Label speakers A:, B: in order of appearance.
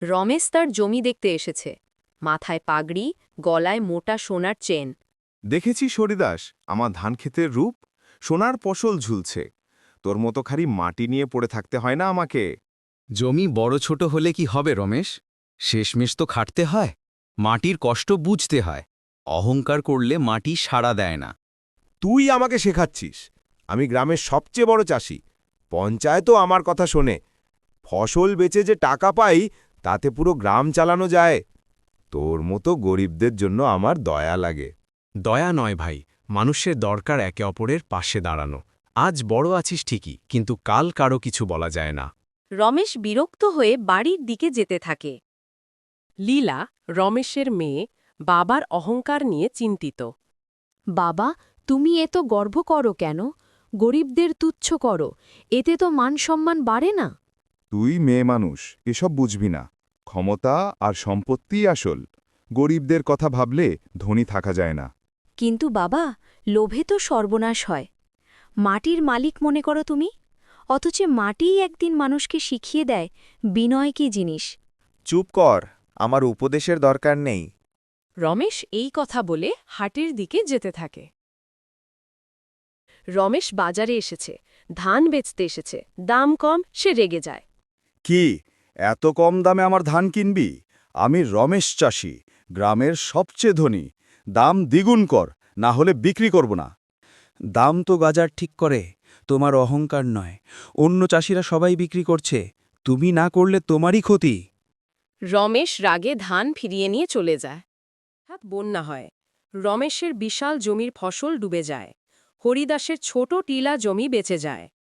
A: রমেশ তার জমি দেখতে এসেছে। মাথায় পাগড়ি, গলায় মোটা সোনার চেন।
B: দেখেছি হরিদাস, আমার ধানক্ষেতের রূপ, সোনার ফসল ঝুলছে। তোর মতো খালি মাটি নিয়ে পড়ে থাকতে হয় না আমাকে।
C: জমি বড় ছোট হলে কি হবে রমেশ? শেষমেশ তো খাটতে হয়, মাটির কষ্ট বুঝতে হয়। অহংকার করলে মাটি সাড়া দেয় না।
B: তুই আমাকে শেখাচ্ছিস? আমি গ্রামের সবচেয়ে বড় চাষি, পঞ্চায়েতও আমার কথা শোনে। ফসল বেচে যে টাকা পাই, তাতে পুরো গ্রাম চালানো যায়। তোর মতো গরিবদের জন্য আমার দয়া লাগে।
D: দয়া নয় ভাই, মানুষের দরকার একে অপরের পাশে দাঁড়ানো। আজ বড় আছিস ঠিকই, কিন্তু কাল কারো কিছু বলা যায় না।
A: রমেশ বিরক্ত হয়ে বাড়ির দিকে যেতে থাকে।
E: লীলা, রমেশের মেয়ে, বাবার অহংকার নিয়ে চিন্তিত।
F: বাবা, তুমি এত গর্ব করো কেন? গরিবদের তুচ্ছ করো, এতে তো মান সম্মান বাড়ে না।
B: তুই মেয়ে মানুষ, এসব বুঝবি না। ক্ষমতা আর সম্পত্তিই আসল। গরিবদের কথা ভাবলে ধনী থাকা যায় না।
F: কিন্তু বাবা, লোভে তো সর্বনাশ হয়। মাটির মালিক মনে করো তুমি, অথচ মাটিই একদিন মানুষকে শিখিয়ে দেয় বিনয় কি জিনিস।
G: চুপ কর, আমার উপদেশের দরকার নেই।
E: রমেশ এই কথা বলে হাটের দিকে যেতে থাকে। রমেশ বাজারে এসেছে, ধান বেচতে এসেছে, দাম কম, সে রেগে যায়।
H: কি, এত কম দামে আমার ধান কিনবি? আমি রমেশ চাষি, গ্রামের সবচেয়ে ধনী। দাম দ্বিগুণ কর, না হলে বিক্রি করব না।
I: দাম তো বাজার ঠিক করে, তোমার অহংকার নয়। অন্য চাষিরা সবাই বিক্রি করছে, তুমি না করলে তোমারই ক্ষতি।
E: রমেশ রাগে ধান ফিরিয়ে নিয়ে চলে যায়। হঠাৎ বন্যা হয়। রমেশের বিশাল জমির ফসল ডুবে যায়। হরিদাসের ছোট টিলা জমি বেঁচে যায়।